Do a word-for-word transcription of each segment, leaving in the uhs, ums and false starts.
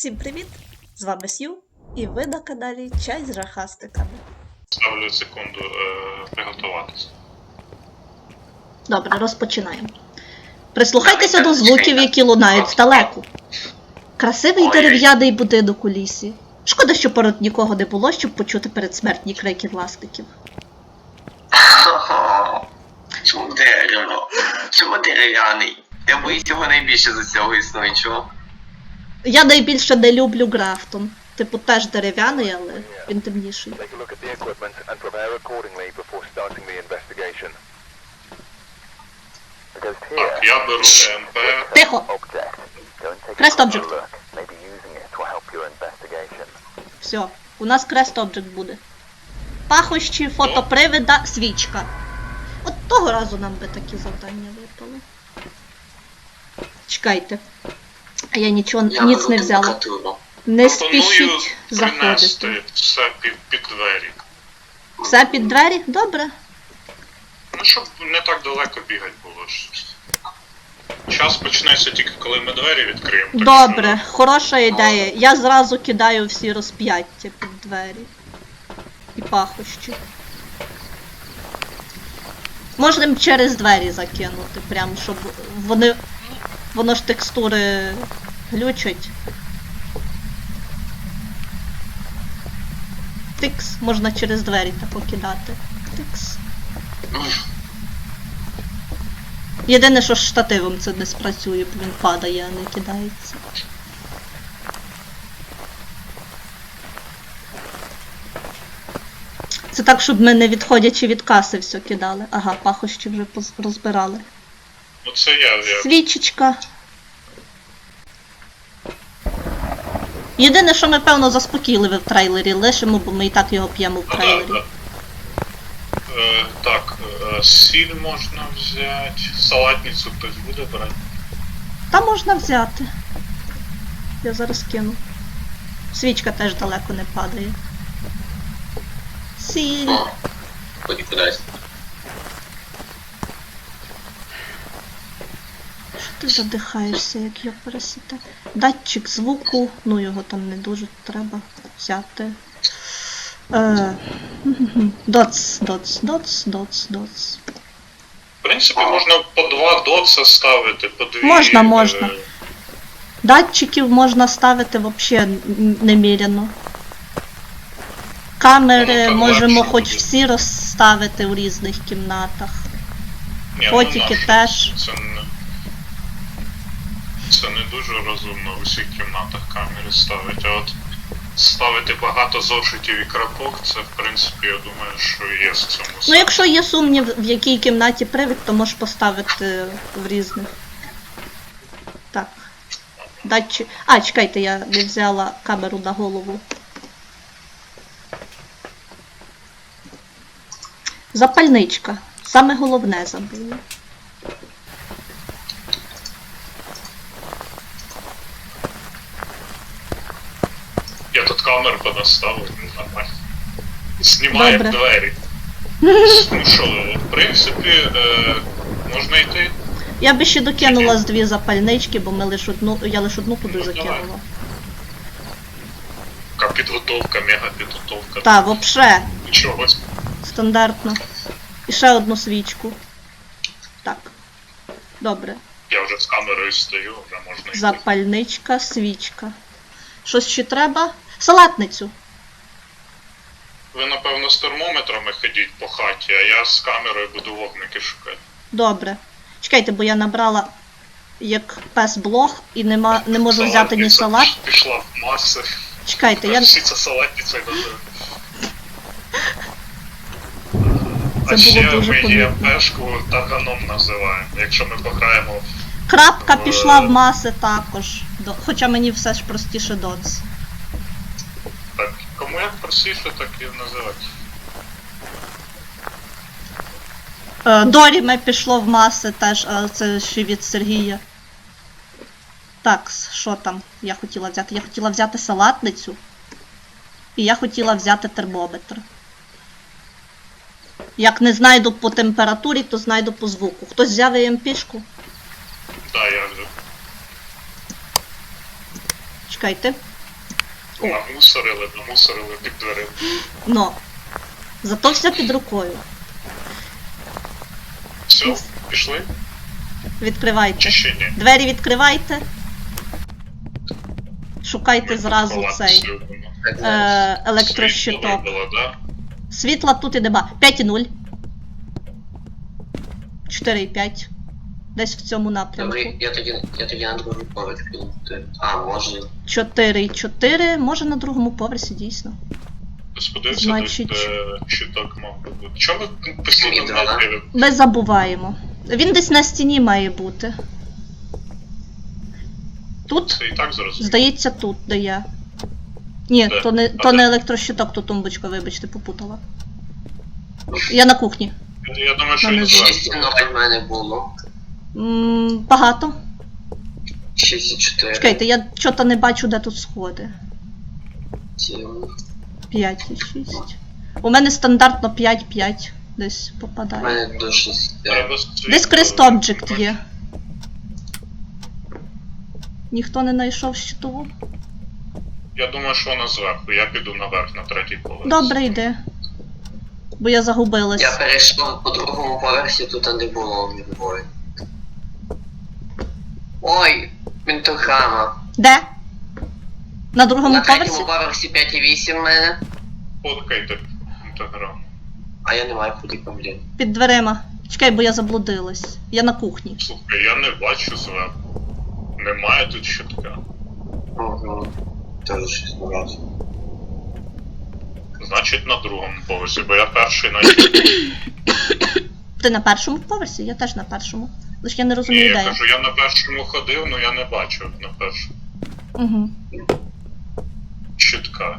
Всім привіт! З вами Сью, і ви на каналі Чай з жахастиками. Ставлю секунду е, приготуватися. Добре, розпочинаємо. Прислухайтеся до звуків, які лунають здалеку. Красивий дерев'яний будинок у лісі. Шкода, що поряд нікого не було, щоб почути передсмертні крики власників. Чому дерево? Чому дерев'яний? Я боюсь його найбільше за цього існуючого. Я найбільше не люблю Графтон. Типу, теж дерев'яний, але він темніший. Так, я беру ЕМП. Тихо! Крест обджект. Все, у нас крест обджект буде. Пахощі, фотопривида, свічка. От того разу нам би такі завдання випали. Чекайте. А я нічого, Я ніц беру не взяла. температуру. Не Пропоную спішіть заходити. принести все під, під двері. Все під двері? Добре. Ну, щоб не так далеко бігати було. ж. Час почнеться тільки коли ми двері відкриємо. так Добре, хороша ідея. Я зразу кидаю всі розп'яття під двері. І пахощі. Можна їм через двері закинути, прям, щоб вони... Воно ж текстури глючать. Тикс, можна через двері так покидати. Тикс. Єдине, що з штативом це не спрацює, бо він падає, а не кидається. Це так, щоб ми не відходячи від каси все кидали. Ага, пахощі вже поз- розбирали. Ну це я, я. Свічечка. Єдине, що ми, певно, заспокійливі в трейлері лишимо, бо ми і так його п'ємо в Ну, трейлері. да, да. Е, так, е, сіль можна взяти. Салатницю хтось буде брати. Та можна взяти. Я зараз кину. Свічка теж далеко не падає. Сіль. О, ході кудись. Ти задихаєшся, як я пересіте. Датчик звуку, ну його там не дуже треба взяти. Е, Доц, доц, доц, доц, доц. В принципі, можна по два доца ставити, по дві. Можна, можна. е, Датчиків можна ставити взагалі неміряно. Камери Ну, так можемо легше хоч буде. всі розставити у різних кімнатах. ні, ну, Фотики нащо? теж. Це не, це не дуже розумно в усіх кімнатах камери ставити, а от ставити багато зошитів і крапок, це в принципі, я думаю, що є в цьому Ну, сенс. якщо є сумнів, в якій кімнаті привід, то можеш поставити в різних. Так. Датчик. А, чекайте, я не взяла камеру на голову. Запальничка. Саме головне забула. Я тут камеру понаставив, ну, нормально. Знімає Добре. двері. Ну що, в принципі, е, можна йти. Я би ще докинула з дві запальнички, бо ми лиш одну, я лише одну туди Ну, давай. закинула. Така підготовка, мега підготовка. Та, вообще, Чогось. стандартно. І ще одну свічку. Так. Добре. Я вже з камерою стою, вже можна йти. Запальничка, свічка. Щось ще треба? Салатницю. Ви, напевно, з термометрами ходіть по хаті, а я з камерою буду вогники шукати. Добре. Чекайте, бо я набрала як пес блог і нема, не можу взяти ні Салатниця салат. Пішла в маси. Чекайте, я... Всі це салатницею називають. Це А ще було дуже ми помітно. ЄМПшку таганом називаємо, якщо ми пограємо в... Крапка пішла в маси також. До- Хоча мені все ж простіше доц. Так, кому як простіше, так і називати. Е, Доріме пішло в маси теж, а це ще від Сергія. Так, що там я хотіла взяти? Я хотіла взяти салатницю. І я хотіла взяти термометр. Як не знайду по температурі, то знайду по звуку. Хтось взяв і ем пі-шку? Так, да, я вже. Чекайте. Намусорили, намусорили під дверима. Но. Зато все під рукою. Все, пішли? Відкривайте. Чи ще ні? Двері відкривайте. Шукайте зразу Ховатися цей любимо. Так, зараз. е, електрощиток. Світло вибило, да? Світла тут і нема. п'ять і нуль. чотири і п'ять. Десь в цьому напрямку. Добре, я тоді, я тоді на другий поверх піду. А, може. чотири і чотири. Може на другому поверсі, дійсно. Сподивився, Значить- десь де щиток мав би бути. Чому ви постійно Світло, да? знаєте? Ми забуваємо. Він десь на стіні має бути. Тут? Це і так зрозуміло. Здається, тут, де я. Ні, Де? то не, А то де? не електрощиток, то тумбочка, вибачте, попутала. Я на кухні. Я думаю, що Мене він звідси. шість і зверху. ноль в мене було. М, багато. шість і чотири. Чекайте, я чого-то не бачу, де тут сходи. сім. п'ять і шість. У мене стандартно п'ять п'ять десь У попадає. мене до шести. Треба світло. Десь Crest Object є. Ніхто не знайшов щитову? Я думаю, що вона зверху. Я піду наверх, на третій поверх. Добре, йди. Бо я загубилась. Я перейшов по другому поверсі, тут не було відбою. Ой, пентаграма. Де? На другому На поверсі? третьому поверсі п'ять і вісім в мене. Фоткайте інтеграму. А я не маю куди, блін. Під дверима. Чекай, бо я заблудилась. Я на кухні. Слухай, я не бачу зверху. Немає тут щитка. Угу. Тоже щось не бачу. Значить на другому поверсі, бо я перший на Ти на першому поверсі? Я теж на першому. Лише я не Ні, розумію, я де я. кажу, я на першому ходив, але я не бачив на першому. Угу. Щитка.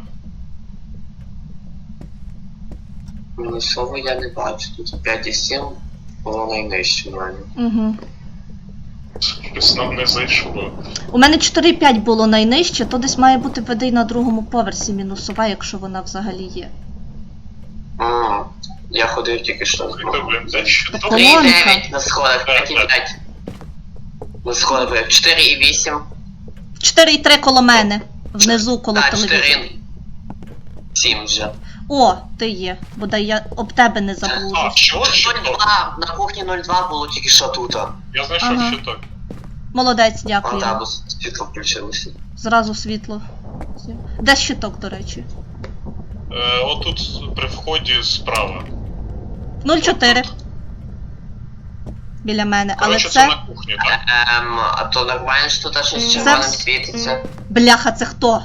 Мінусово я не бачу. Тут п'ять і сім було найнижче в мене. Угу. Щось нам не зайшло. У мене чотири п'ять було найнижче, то десь має бути ведей на другому поверсі мінусова, якщо вона взагалі є. Ммм. Я ходив тільки що. Це, блін, це щиток. Коло- три і Колонка. дев'ять на сходах, п'ять і п'ять. На сходах чотири і вісім. чотири і три коло мене. Внизу коло Так, телевізора. чотири. сім вже. О, ти є. Бодай я об тебе не А, заблужусь. що нуль щиток? два. На кухні нуль два було тільки що тут. Я знайшов Ага. щиток. Молодець, А дякую. так, бо світло включилося. Зразу світло. Де щиток, до речі? Е, отут при вході справа. нуль чотири. Біля мене, але Коротше, це це. на кухні, так? Ем, а то нормально, що тут щось Це червоним вс- світиться. Бляха, це хто?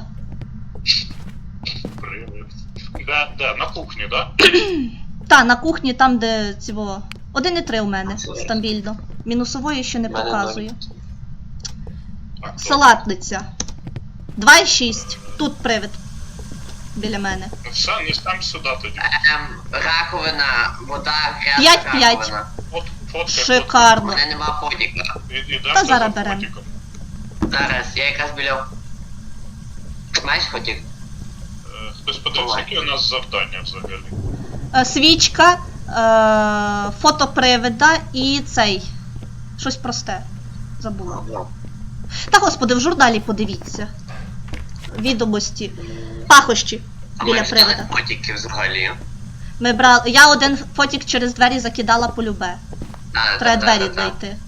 Привид. Де, де? На кухні, так? Та, на кухні, там, де цього. один і три у мене стабільно. Мінусової ще не Мене показує. Так, добре. Салатниця. два і шість. Тут привид. Біля мене. Ну все, несем сюди тоді. Ем, раковина, вода, грязна П'ять, п'ять. раковина. От фотка. У Шикарно. мене нема подіка. Ідемо Та за зараз берем. фотиком. Зараз, я якраз біля... Маєш подік? Е, Хтось подивився, які у нас завдання взагалі. Е, Свічка, е, фото привида і цей. Щось просте. Забула. Ну, Та господи, в журналі подивіться. Відомості. Пахощі а біля ми взяли привида. подіки взагалі. Ми брали. Я один фотік через двері закидала по любе. А, Треба та- та- двері та- та. знайти.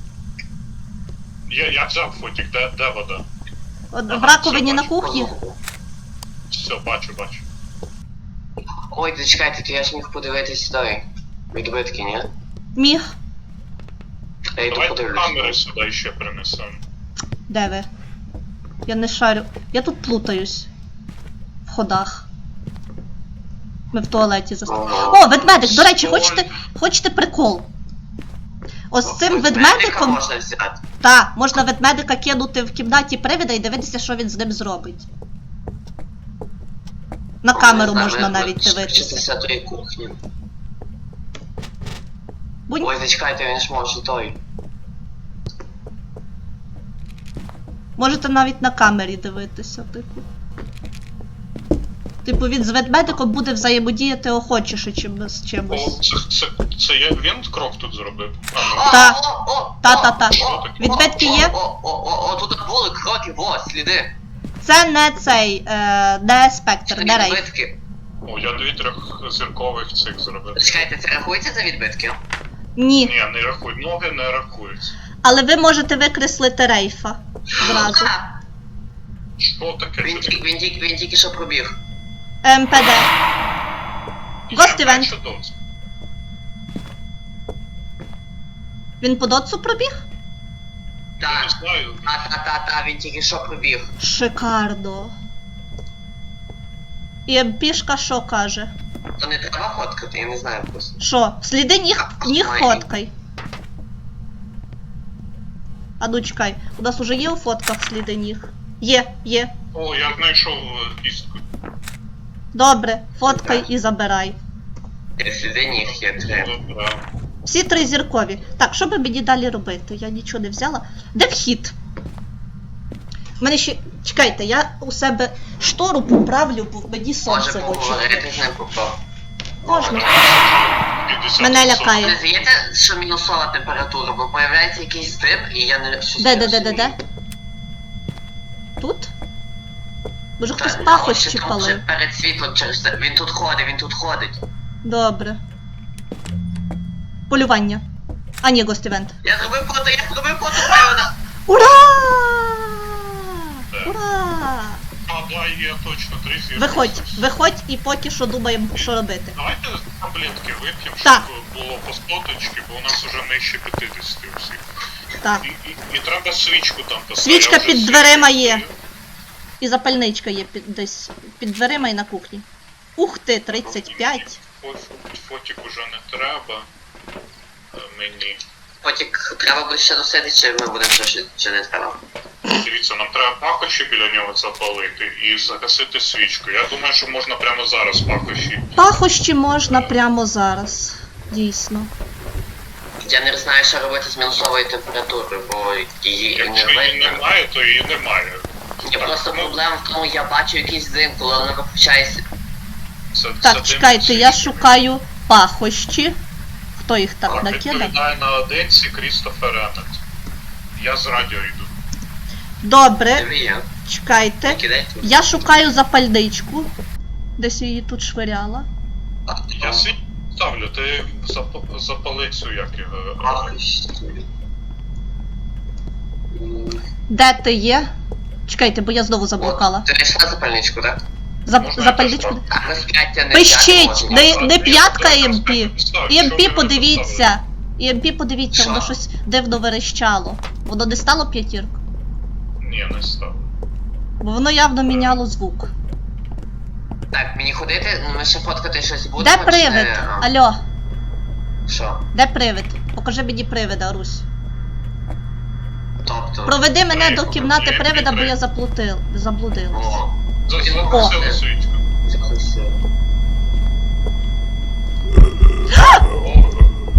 Я, я взяв фотик, де, де вода? От Ага, в раковині все, на бачу. кухні. Все, бачу, бачу. Ой, зачекайте, то я ж міг подивитись той. Відбитки, ні? Міг. Я йду Давайте подивлюсь. камери сюди ще принесемо. Де ви? Я не шарю. Я тут плутаюсь. В ходах. Ми в туалеті застряли. Ага. О, ведмедик! До речі, Соль. хочете, хочете прикол? Ось з цим Ось ведмедиком. можна взяти. Та, можна ведмедика кинути в кімнаті привида і дивитися, що він з ним зробить. На камеру Не знаю, можна мене навіть буде дивитися. шістдесятої кухні. Бунь. Ой, зачекайте, він ж може той. Можете навіть на камері дивитися, типу. Типу, він з ведмедиком буде взаємодіяти охочіше, чим з О, чимось. це, це, це я, він крок тут зробив. А, ну, О, Та. о, о, Та-та-та. о, о, Відбитки о, є? О, о, о, о, тут були кроки, во, сліди. Це не цей, е, де спектр, Що де рейф. відбитки? О, я дві трьохзіркових цих зробив. Чекайте, це рахується за відбитки? Ні. Ні, не рахуй, ноги не рахуються. Але ви можете викреслити рейфа зразу. А, Що таке? він, Це ті- він, тільки- він тільки що пробіг. ем пе де. Ghost Я event. бачу доц. Він по дотсу пробіг? Я не Так. знаю. Та-та-та-та, він тільки що пробіг. Шикардо. І ем-пішка що каже? То не треба фоткати, я не знаю просто. Що? Сліди ніг, ніг Ой. фоткай. А ну чекай, у нас уже є у фотках сліди ніг? Є, є. О, я знайшов е, кістку. Добре, фоткай і забирай. Сліди ніг є три. Добре. Всі три зіркові. Так, що би мені далі робити? Я нічого не взяла. Де вхід? У мене ще. Чекайте, я у себе штору поправлю, бо мені Може сонце в очі. поговорити з ним попав. Можна. п'ятдесят Мене відсотків. лякає. Не здається, що мінусова температура, бо появляється якийсь дим, і я не щось Де, не де, де, де, де? розумію. Тут? Може хтось Так, пахощі ось тут палив? же перед світлом через це. Він тут ходить, він тут ходить. Добре. Полювання. А ні, Ghost Event. Я зробив фото, я зробив фото, певно. Ура! Де? Ура! А, да, є точно три зірки. Виходь, виходь і поки що думаємо, що робити. Давайте таблетки вип'ємо, щоб Так. було по соточки, бо у нас уже нижче п'ятдесят у всіх. Так. І, і, і треба свічку там поставити. Свічка Я вже під свічку дверима є. купив. І запальничка є під, десь під дверима і на кухні. Ух ти, тридцять п'ять. Фо- Фотик уже не треба. Е, Мені. Потік треба буде ще досити, чи ми будемо ще, чи не треба. Дивіться, нам треба пахощі біля нього запалити і загасити свічку. Я думаю, що можна прямо зараз пахощі. Пахощі можна прямо зараз. Дійсно. Я не знаю, що робити з мінусовою температурою, бо її не Якщо її видно. немає, то її немає. Ні, просто ну, проблема в тому, я бачу якийсь дим, коли вона виключається. це- це Так, дим чекайте, свічки. я шукаю пахощі. Хто їх так Так, накидав? відповідає на одинці Крістофер Еннет. Я з радіо йду. Добре, Диви я. чекайте. Кидай тут. Я шукаю запальничку. Десь я її тут швиряла. Я світ ставлю, ти зап- запали цю як його. Пахощі. Де ти є? Чекайте, бо я знову заблукала. Ти знайшла запальничку, так? За, Можна запальничку. я Так, розп'яття не Пищить! взяти Не, можна. не п'ятка Я ем просто пі. поставлю, ем що пі ви подивіться. ем пі подивіться, Що? воно щось дивно верещало. Воно не стало п'ятірку? Ні, не ставлю. Бо воно явно міняло звук. Так, мені ходити, ну, ми ще фоткати щось будемо. Де чи привид? не? А, Алло, Що? де привид? Покажи мені привида, Русь. Тобто. Проведи мене Привид, до кімнати привид, привида, бо привид. я заплутив, заблудилась. О, Загасили свічку. загасили. О.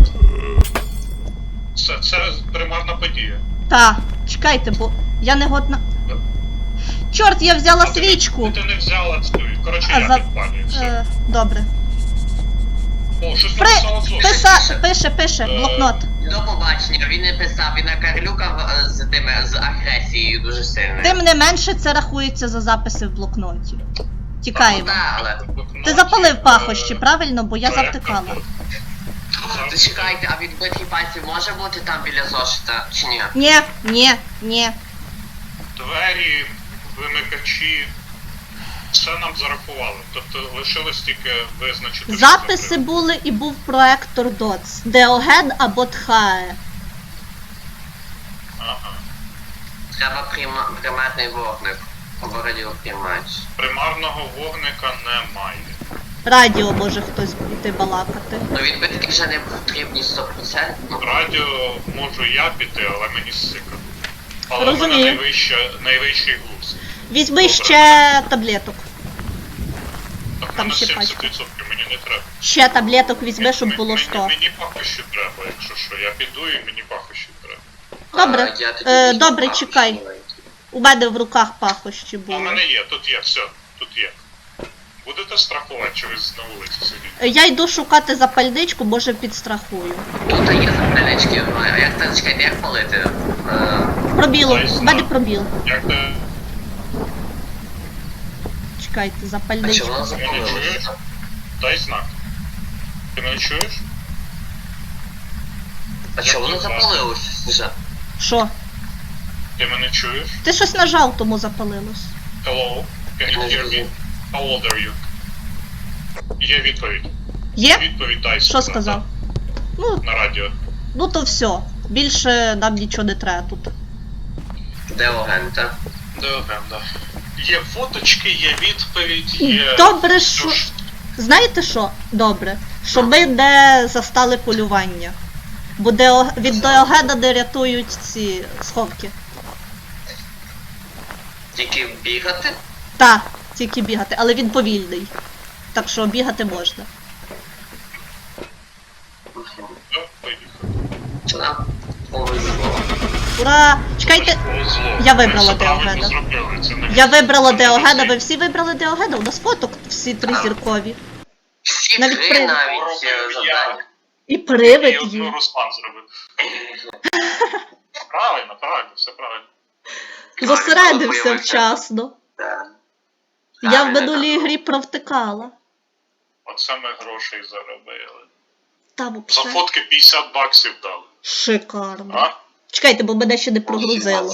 Це, це примарна подія. Та, чекайте, бо я не годна. Чорт, я взяла А ти- свічку! Ти не взяла цю. Коротше, А я за- підпалюю. Все. Е, добре. О, щось При... написала Зоя. Писа... Пише, пише, Е, блокнот. До побачення, він не писав, він накарлюкав е, з тими з агресією дуже сильною. Тим не менше це рахується за записи в блокноті. Тікаємо. Так, але. Ти запалив пахощі, Е, правильно? Бо я проект завтикала. роботи. Зачекайте, а відбитки пальців може бути там біля зошита, чи ні? Ні, ні, ні. Двері, вимикачі. Все нам зарахували. Тобто лишилось тільки визначити. що Записи це були і був проектор доц. Деоген або Тхае. Ага. Треба прима- примарний вогник. Або радіоприймач. Примарного вогника немає. Радіо може хтось йти балакати. Ну відбитки вже не потрібні сто відсотків. Радіо можу я піти, але мені сика. Але в мене Розумію. найвища, найвищий глузд. Візьми Добре. ще таблеток. Так, в Там мене ще сімдесят пачка. відсотків, мені не треба. Ще таблеток візьми, щоб М- було мені- сто. Мені пахощі треба, якщо що. Я піду і мені пахощі треба. Добре. А, я тоді Е, візьму добре, папку чекай. маленьку. У мене в руках пахощі А в були. мене є, тут є, все, тут є. Будете страхувати, чи ви на вулиці сидіти? Е, Я йду шукати запальничку, може підстрахую. Тут є запальнички, а як це, чекайте, як палити? Е, Пробіло, Дай в мене знак. пробіл. Як ти... Чекайте, А чого запальничку. вона Ти мене чуєш? запалилася? Дай знак. Ти мене чуєш? А чого вона запалилася, Сніжа? Що? Ти мене чуєш? Ти щось нажав, тому запалилось. Hello? Can you hear me? How old are you? Є відповідь. Є? Відповідь дай. Що сказав? Ну, На радіо. ну то все. Більше нам нічого не треба тут. Де агента? Да, да. Є фоточки, є відповідь, є... Добре, все, що... Знаєте що? Добре. Що ми не застали полювання. Бо Део... від Деогена не рятують ці сховки. Тільки бігати? Та, тільки бігати, але він повільний. Так що бігати можна. Да, поїхали. Чи нам повезло? Ура! Чекайте! Повезло. Я вибрала Ми все правильно Деогена. зробили, це не- Я вибрала це не Деогена, всі. ви всі вибрали Деогена, у нас фоток всі три зіркові. Всі Навіть три при- навіть Робив е, я. завдання. І І привид одну є. Руслан зробив. Правильно, правильно, все правильно. Зосередився Правильно, вчасно. Так. Я в Правильно, минулій так. грі провтикала. Оце ми грошей заробили. Та За взагалі. фотки п'ятдесят баксів дали. Шикарно. А? Чекайте, бо мене ще не прогрузило.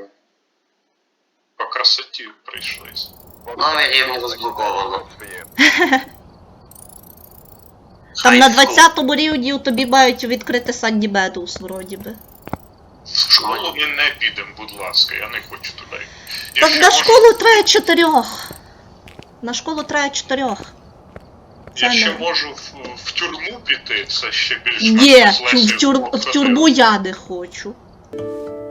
По красоті прийшлись. Новий рівень розблоковано. Там на High school. двадцятому рівні тобі мають відкрити Санді Медоуз, вроді би. В школу ми не підемо, будь ласка, я не хочу туди. Я Так ще на можу- школу треба чотирьох. На школу треба чотирьох. Я це ще не- можу в, в тюрму піти, це ще більш Ні, менш в, тюр- в, тюр- в тюрму я не хочу.